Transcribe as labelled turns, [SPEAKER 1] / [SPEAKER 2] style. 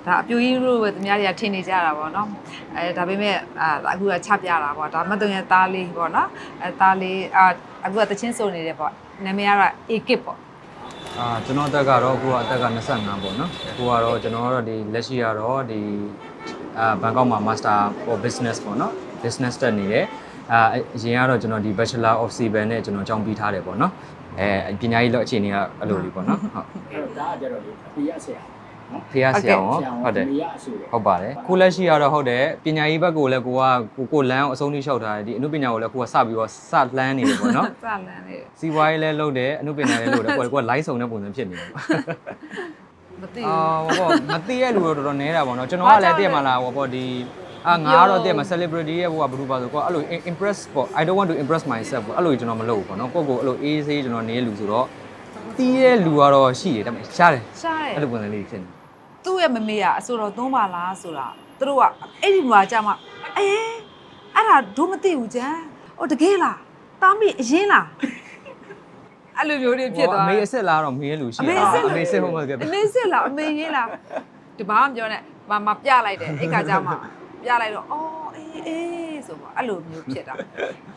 [SPEAKER 1] ဒါအပြူကြီးတို့ပဲသူများတွေကထင်နေကြတာပေါ့နော်ဒါပေမဲ့အခုကချပြတာပေါ့ဒါမတ်တုံရဲ့သားလေးပေါ့နော်သားလေးအခုကတချင်းစုံနေတယ်ပေါ့နာမည်ကတော့ A-Kid ပေါ့
[SPEAKER 2] ကျွန်တော်အသက်ကတော့အခုကအသက်က25ပေါ့နော်အခုကတော့ကျွန်တော်ကတော့ဒီလက်ရှိကတော့ဒီဘန်ကောက်မှာ Master for Business ပေါ့နော် Business တက်နေတယ်အရင်ကတော့ကျွန်တော်ဒီ Bachelor of Civil နဲ့ကျွန်တော်ကျောင်းပြီးထားတယ်ပေါ့နော်ပညာရေးလောက်အခြေအနေကအဲ့လိုလေးပေါ့နော်ဟုတ်
[SPEAKER 3] ဒါကကြတော့လေအပြရဆရာနော်
[SPEAKER 2] ဖေရဆရာရောဟုတ်တယ်ဟုတ်ပါတယ်ကိုလက်ရှိကတော့ဟုတ်တယ်ပညာရေးဘက်ကိုလည်းကိုလမ်းအဆုံးထိလျှောက်ထားတယ်ဒီအနုပညာကိုလည်းကိုကစပြီးတော့စလန်းနေတယ်ပေါ့နော်
[SPEAKER 1] စလန်းနေတယ်
[SPEAKER 2] စီဝိုင်းလည်းလုပ်တယ်အနုပညာလည်းလုပ်တယ်ကိုက live ဆောင်တဲ့ပုံစံဖြစ်နေတယ်ပေါ့
[SPEAKER 1] မသိ
[SPEAKER 2] ဘူးမသိရလူတော့တော်တော်နေတာပေါ့နော်ကျွန်တော်ကလည်းတည့်မှာလားပေါ့ဒီငါကတော့တည့်မှာ celebrity ရဲ့ဘုရားဘယ်လိုပါဆိုတော့အဲ့လို impress ပေါ့ I don't want to impress myself ပေါ့အဲ့လိုကျွန်တော်မလုပ်ဘူးပေါ့နော်ကိုအဲ့လိုအေးဆေးကျွန်တော်နေလူဆိုတော့တီးတဲ့လူကတော့ရှိတယ်ဒါပေမဲ့ရှားတယ်အဲ့လိုပုံစံလေးဖြစ်နေ
[SPEAKER 1] သူ့ရဲ့မမေကအဆိုတော်သုံးပါလားဆိုတာသူတို့ကအဲ့ဒီမှာကြာမှအဲ့ဒါဒို့မသိဘူးကြမ်းတကယ်လားတားမိအရင်လားအဲ့လိုမျိုးတွေဖြစ်သွား
[SPEAKER 2] အမေအစ်စ်လားတော့မေးလူရှိတယ်အမေအစ်စ်ဟုတ်မှာကဲ
[SPEAKER 1] အမေအစ်စ်လားအမေရေးလားဒီဘာမှပြောနဲ့မပြလိုက်တယ်အဲ့ခါကျမှပြလိုက်တော့အေးဆိုပေါ့အဲ့လိုမျိုးဖြစ်တာ